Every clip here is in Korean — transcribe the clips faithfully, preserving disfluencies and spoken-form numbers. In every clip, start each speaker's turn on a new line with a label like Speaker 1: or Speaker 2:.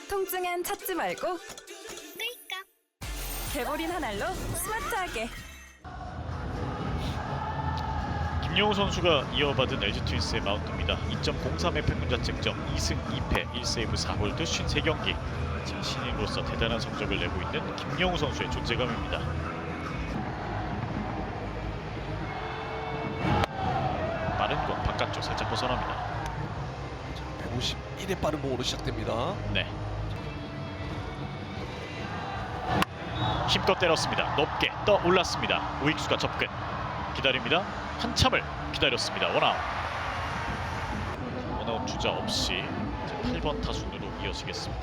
Speaker 1: 통증엔 찾지 말고
Speaker 2: 끌까?
Speaker 1: 개보린 한 알로 스마트하게.
Speaker 3: 김영우 선수가 이어받은 엘지 트윈스의 마운드입니다. 이 점 공삼의 평균 자책점, 이 승 이 패, 일 세이브 사 홀드, 오십삼 경기. 자, 신인으로서 대단한 성적을 내고 있는 김영우 선수의 존재감입니다. 빠른 공 바깥쪽 살짝 벗어납니다.
Speaker 4: 백오십일의 빠른 공으로 시작됩니다.
Speaker 3: 네. 힘껏 때렸습니다. 높게 떠 올랐습니다. 우익수가 접근. 기다립니다. 한참을 기다렸습니다. 원아웃. 원아웃 주자 없이 팔 번 타순으로 이어지겠습니다.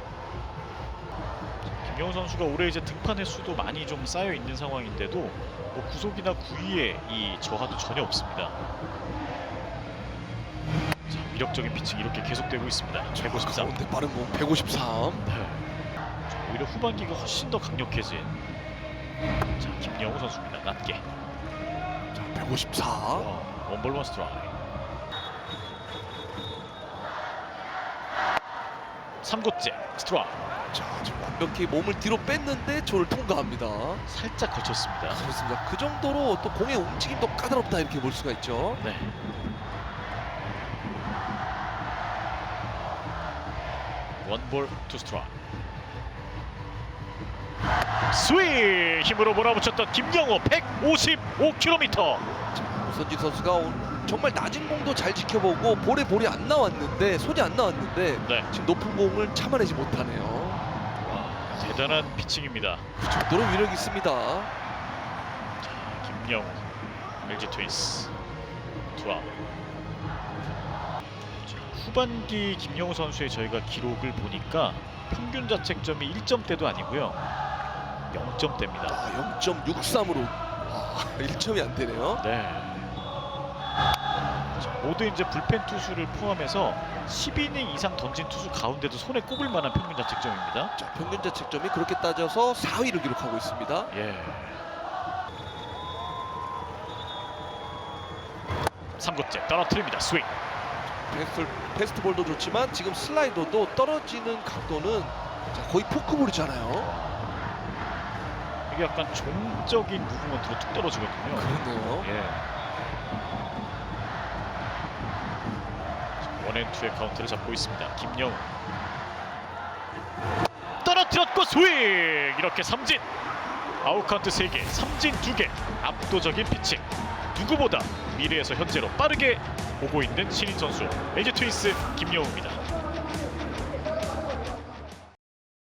Speaker 3: 김영우 선수가 올해 이제 등판 횟수도 많이 좀 쌓여 있는 상황인데도 뭐 구속이나 구위에 이 저하도 전혀 없습니다. 자, 위력적인 피칭 이렇게 계속되고 있습니다. 백오십삼.
Speaker 4: 가운데 빠른 공 백오십삼.
Speaker 3: 네. 오히려 후반기가 훨씬 더 강력해진 자, 김영우 선수입니다. 낮게.
Speaker 4: 자, 백오십사.
Speaker 3: 와, 원볼 원 스트라이크. 삼 구째 스트라이크.
Speaker 4: 자, 지금 완벽히 몸을 뒤로 뺐는데 저를 통과합니다.
Speaker 3: 살짝 거쳤습니다.
Speaker 4: 그렇습니다. 그 정도로 또 공의 움직임도 까다롭다 이렇게 볼 수가 있죠.
Speaker 3: 네. 원볼 투 스트라이크. 스윙! 힘으로 몰아붙였던 김영우 백오십오 킬로미터.
Speaker 4: 오선진 선수가 오늘 정말 낮은 공도 잘 지켜보고 볼에 볼이 안 나왔는데 손이 안 나왔는데
Speaker 3: 네.
Speaker 4: 지금 높은 공을 참아내지 못하네요.
Speaker 3: 와, 대단한 피칭입니다.
Speaker 4: 그 정도로 위력이 있습니다.
Speaker 3: 자, 김영우 엘지 트윈스 투아웃. 후반기 김영우 선수의 저희가 기록을 보니까 평균 자책점이 일 점대도 아니고요, 영 점대입니다.
Speaker 4: 아, 영 점 육삼으로 아, 일 점이 안 되네요.
Speaker 3: 네. 자, 모두 이제 불펜 투수를 포함해서 십이 이닝 이상 던진 투수 가운데도 손에 꼽을 만한 평균 자책점입니다.
Speaker 4: 자, 평균 자책점이 그렇게 따져서 사 위를 기록하고 있습니다.
Speaker 3: 예. 삼 구째 떨어뜨립니다. 스윙.
Speaker 4: 패스트, 패스트볼도 좋지만 지금 슬라이더도 떨어지는 각도는 자, 거의 포크볼이잖아요.
Speaker 3: 이게 약간 종적인 무브먼트로 툭 떨어지거든요.
Speaker 4: 그렇네요.
Speaker 3: 예. 원앤투의 카운트를 잡고 있습니다. 김영우 떨어뜨렸고 스윙! 이렇게 삼진! 아웃 카운트 세 개, 삼진 두 개. 압도적인 피칭. 누구보다 미래에서 현재로 빠르게 오고 있는 신인 선수 엘지 트윈스 김영우입니다.